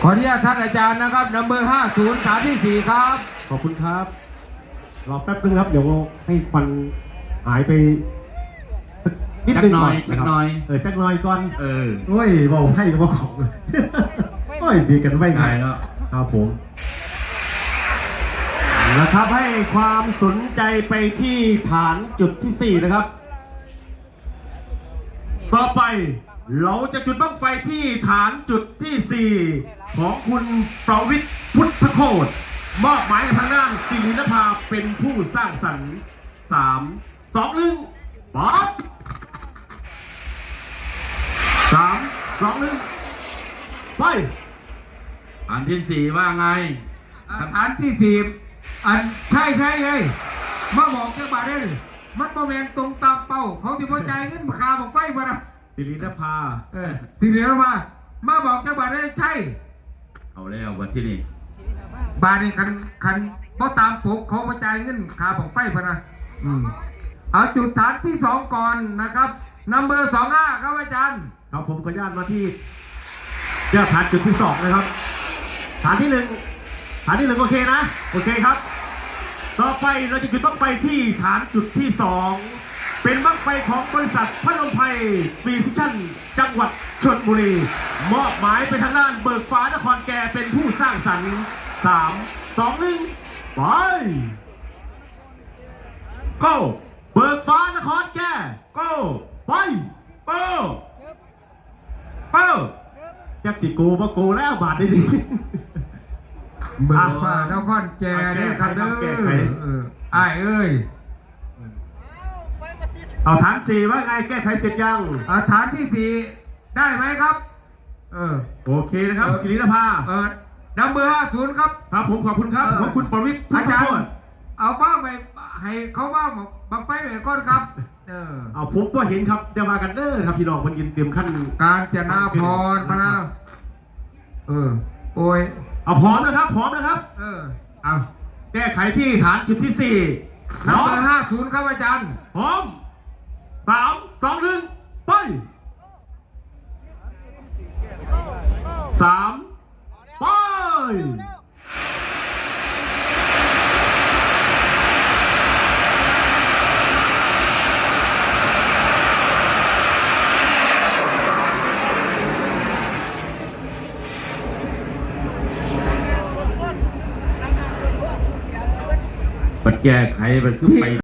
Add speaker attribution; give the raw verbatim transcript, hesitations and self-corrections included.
Speaker 1: ขออนุญาตท่านอาจารย์นะครับนัมเบอร์ห้าศูนย์สามที่สี่ครับ
Speaker 2: ขอบคุณครับรอแป๊บนึงครับเดี๋ยวให้ควันหายไปสักนิดนึงก่อนจักหน่อยเออจักหน่อยก่อนเออโอ้ยบอกให้ก็บอกของโอ้ยดีกันไว้ไงเนาะครับผมนะครับให้ความสนใจไปที่ฐานจุดที่สี่นะครับต่อไปเราจะจุดบั้งไฟที่ฐานจุดที่สี่ของคุณประวิตรพุทธโคตรมอบหมายทางด้านศิรินภาเป็นผู้สร้างสรรค์สามสองหนึ่งป๊อปสามสองหนึ่งไป
Speaker 1: อันที่สี่ว่าไงอันที่สี่อันใช่ใช่เลยมาบอกเจ้าบ่าวได้เลยมันประเวณตรงตามเป้าเขาที่พอใจเงินขาบอกไฟมาละ
Speaker 2: ศิรินภา
Speaker 1: เออศิรินภามาบอกเจ้าบ่าวได้ใช่
Speaker 2: เอาแล้ววันที่นี่
Speaker 1: บาทนี่คันคันเพราะตามปกเขาพอใจเงินขาบอกไฟมาละอืมเอาจุดฐานที่สองก่อนนะครับนัมเบอร์สองห้าครับอาจารย์
Speaker 2: ครับผมขออนุญาตมาที่เจ้าฐานจุดที่สองนะครับฐานที่หนึ่งฐานที่หนึ่งโอเคนะโอเคครับต่อไปเราจะจุดบั้งไฟที่ฐานจุดที่สองเป็นบั้งไฟของบริษัทพนมไพรฟีซิชั่นจังหวัดชลบุรีมอบหมายไปทางด้านเบิกฟ้านครแก่เป็นผู้สร้างสรรค์สามสองหนึ่งไปgoเบิกฟ้านครแก่goไปgo goยักษ์จิโกว่าโกแล้วบาทได้ดี
Speaker 1: เบิกฟ้านครแก่เนี่ยครับเด้อไอ้เอ้ย
Speaker 2: เอาฐานสี่ว่าไงแก้ไขเสร็จยัง
Speaker 1: เอาฐานที่สี่ได้ไหมครับเออ
Speaker 2: โอเคนะครับศิรินภา
Speaker 1: เออนัมเบอร์ห้าศูนย์ครับ
Speaker 2: ครับผมขอบคุณครับขอบคุณประวิตร
Speaker 1: อาจารย์เอาบ้างไปให้เขาบ้างบังไฟไปก่อนครับเออ
Speaker 2: เอาผมก็เห็นครับเดี๋ยวมากันเด้อครับพี่น้องมันยินเตรียมขั้น
Speaker 1: การจนาพรพนะเออโอ้ย
Speaker 2: เอาพร้อมนะครับพร้อมนะครับ
Speaker 1: เออ
Speaker 2: เอาแก้ไขที่ฐานจุดที่สี่
Speaker 1: นัมเบอร์ห้าศูนย์ครับอาจารย์
Speaker 2: พร้อมสามสองหนึ่งไปสามไป
Speaker 3: มันแก้ไขมันขึ้นไป